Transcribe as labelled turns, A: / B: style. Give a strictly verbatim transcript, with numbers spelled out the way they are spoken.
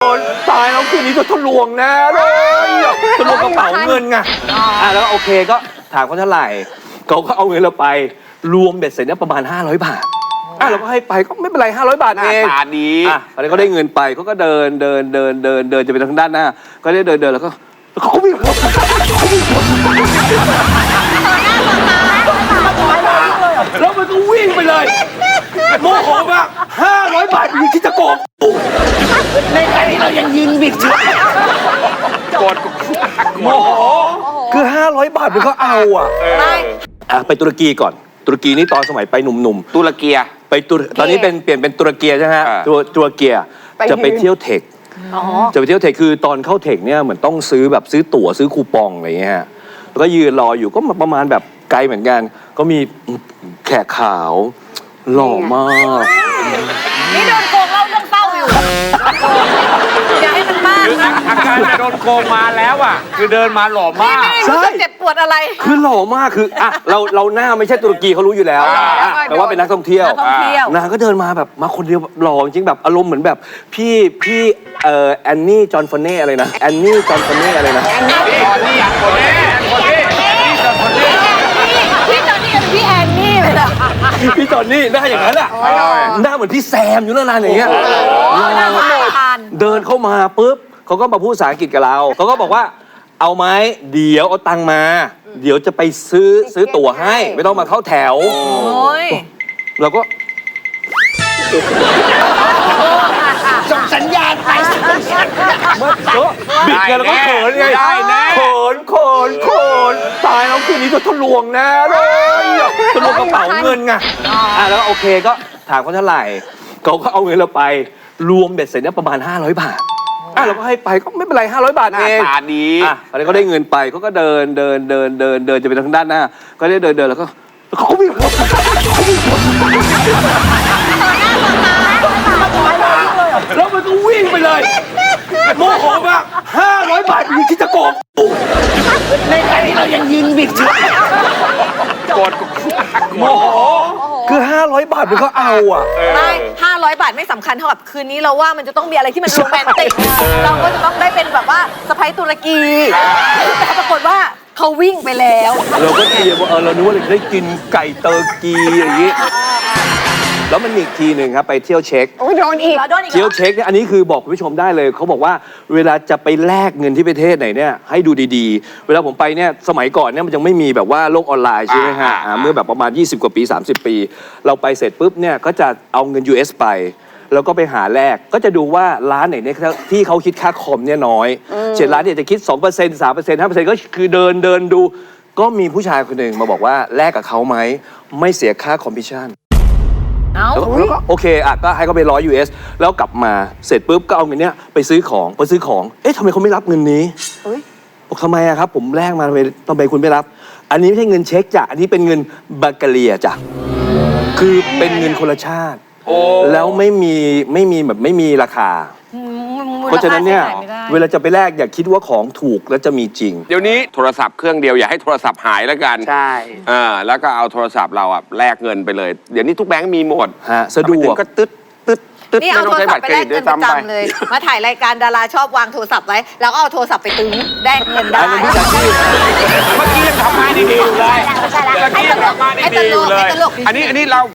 A: นตายแล้วคืนนี้จะทะลวงแน่เลยทะลวงกระเป๋าเงินไงอ่ะแล้วโอเคก็ถามเขาเท่าไหร่เขาก็เอาเงินเราไปรวมเบ็ดเสร็จเนี่ยประมาณห้าร้อยบาทอ่ะเราก็ให้ไปก็ไม่เป็นไรห้าร้อยบาทเอง
B: หน้าตาดี
A: อ่ะตอนนี้ก็ได้เงินไปเขาก็เดินเดินเดินเดินเดินจะไปทางด้านหน้าก็ได้เดินเดินแล้วก็เขาวิ่งแล้วมันก็วิ่งไปเลยโมโหมากห้าร้อยบาทอยู่ที่จะโกงในใจที่เรายังยืนบิดอยู่
B: กด
A: โมโหคือห้าร้อยบาทมันก็เอาอ่ะอ่ะไปตุรกีก่อนตุรกีนี่ตอนสมัยไปหนุ่มๆ
B: ตุรเกีย
A: ไปตุรตอนนี้เป็นเปลี่ยนเป็นตุรเกียใช่ไหมฮะตัวตุรเกียจะไปเที่ยวเทคจะไปเที่ยวเทคคือตอนเข้าเทคเนี่ยเหมือนต้องซื้อแบบซื้อตั๋วซื้อคูปองอะไรเงี้ยแล้วก็ยืนรออยู่ก็ประมาณแบบไกลเหมือนกันก็มีแขกขาวหล่อมาก
C: นี่โดนโกงเล่าเรื่องเศร้าอยู่อย่าให้มันมากนะ
B: อาการโดนโกงมาแล้วอ่ะคือเดินมาหล่อมาก
C: ใช่เจ็บปวดอะไร
A: คือหล่อมากคืออ่ะเราเราหน้าไม่ใช่ตุรกีเขารู้อยู่แล้วแต่ว่าเป็นนักท่องเที่ยวนางก็เดินมาแบบมาคนเดียวหล่อจริงแบบอารมณ์เหมือนแบบพี่พี่เอ่อแอนนี่จอห์นฟอนเน่อะไรนะแอนนี่จอห์นฟอนเน่อะไรนะ
B: แอนนี่จอห์นนี่คนนี้คนนี้คนนี้
C: พี่จอห์นนี่กับพี่แอนนี่เลยนะ
A: พี่จอห์นนี่หน้าอย่างนั้นอ่ะหน้าเหมือนพี่แซมอยู่นานๆอย่างเงี้ยเดินเข้ามาปุ๊บเขาก็มาพูดภาษาอังกฤษกับเราเขาก็บอกว่าเอาไหมเดี๋ยวเอาตังค์มาเดี๋ยวจะไปซื้อซื้อตั๋วให้ไม่ต้องมาเข้าแถวเราก็
C: ส่งสัญญาณไป
A: บิดไงเราก็เขินไงเขินเขินเขินตายแล้วคืนนี้จะทะลวงแน่เลยทะลวงกระเป๋าเงินไงอ่ะแล้วโอเคก็ถามเขาเท่าไหร่เขาก็เอาเงินเราไปรวมเบ็ดเสร็จเนี่ยประมาณห้าร้อยบาทอ่ะเราก็ให้ไปก็ไม่เป็นไรห้าร้อยบาทเอง
B: หน้าตาดี
A: อ่ะตอนนี้ก็ได้เงินไปเขาก็เดินเดินเดินเดินเดินจะไปทางด้านหน้าก็ได้เดินเดินแล้วก็เขาวิ่งแล้วมันก็วิ่งไปเลยโมโหมากห้าร้อยบาทอยู่ที่จะโกงในใจที่เรายังยืนบิดอยู่
B: กด
A: โมโหคือห้าร้อยบาทมันก็เอาอ่ะ
C: ไม่ห้าร้อยบาทไม่สำคัญเท่ากับคืนนี้เราว่ามันจะต้องมีอะไรที่มันโรแมนติกเราก็จะต้องได้เป็นแบบว่าสะใภ้ตุรกีแต่ปรากฏว่าเขาวิ่งไปแล้ว
A: เราก็เตรียมว่าเออเรานึกว่าเราจะได้กินไก่เตอร์กีอย่างนี้แล้วมันมีอีกทีหนึ่งครับไปเที่ยวเช็ค
C: โอ้ยโดนอีก
A: เที่ยวเช็คเนี่ยอันนี้คือบอกคุณผู้ชมได้เลยเขาบอกว่าเวลาจะไปแลกเงินที่ประเทศไหนเนี่ยให้ดูดีๆเวลาผมไปเนี่ยสมัยก่อนเนี่ยมันยังไม่มีแบบว่าโลกออนไลน์ใช่ไหมฮะเมื่อแบบประมาณยี่สิบกว่าปีสามสิบปีเราไปเสร็จปุ๊บเนี่ยก็จะเอาเงิน ยู เอส ไปแล้วก็ไปหาแลกก็จะดูว่าร้านไหนเนี่ยที่เขาคิดค่าคอมเนี่ยน้อยเช่นร้านเนี่ยจะคิด สองเปอร์เซ็นต์ สามเปอร์เซ็นต์ ห้าเปอร์เซ็นต์ ก็คือเดินเดินดูก็มีผู้ชายคนหนึ่งมาบอกว่าแลกกับเขาไหมไม่เสียค่าคอมมิชชั่นแล้วก็โอเคอ่ะก็ให้เขาไปร้อย ยู เอส แล้วกลับมาเสร็จปุ๊บก็เอาเงินเนี้ยไปซื้อของไปซื้อของเอ๊ะทำไมเขาไม่รับเงินนี้บอกทำไมอะครับผมแลกมาทำไมทำไมคุณไม่รับอันนี้ไม่ใช่เงินเช็คจ้ะอันนี้เป็นเงินบัลแกเรียจ้ะคือเป็นเงินคนละชาติแล้วไม่มีไม่มีแบบไม่มีราคาเพราะฉะนั้นเนี่ยเวลาจะไปแลกอย่าคิดว่าของถูกแล้วจะมีจริง
B: เดี๋ยวนี้โทรศัพท์เครื่องเดียวอย่าให้โทรศัพท์หายแล้วกัน
D: ใช่
B: อ่าแล้วก็เอาโทรศัพท์เราอ่ะแลกเงินไปเลยเดี๋ยวนี้ทุกแบงก์มีหมด
A: ฮะสะดวก
B: ก็ตึ๊ดตึ๊ดตึ๊ด
C: นี่เอาโทรศัพท์ไปแลกเงินประจำเลยมาถ่ายรายการดาราชอบวางโทรศัพท์ไว้แล้วก็เอาโทรศัพท์ไปตึงแลกเงินได้
B: เมื่อกี้ยังทำงานดีๆอยู่เลยเมื่อกี้ยังทำงานดีๆอยู่เลยอันนี้อันนี้เรา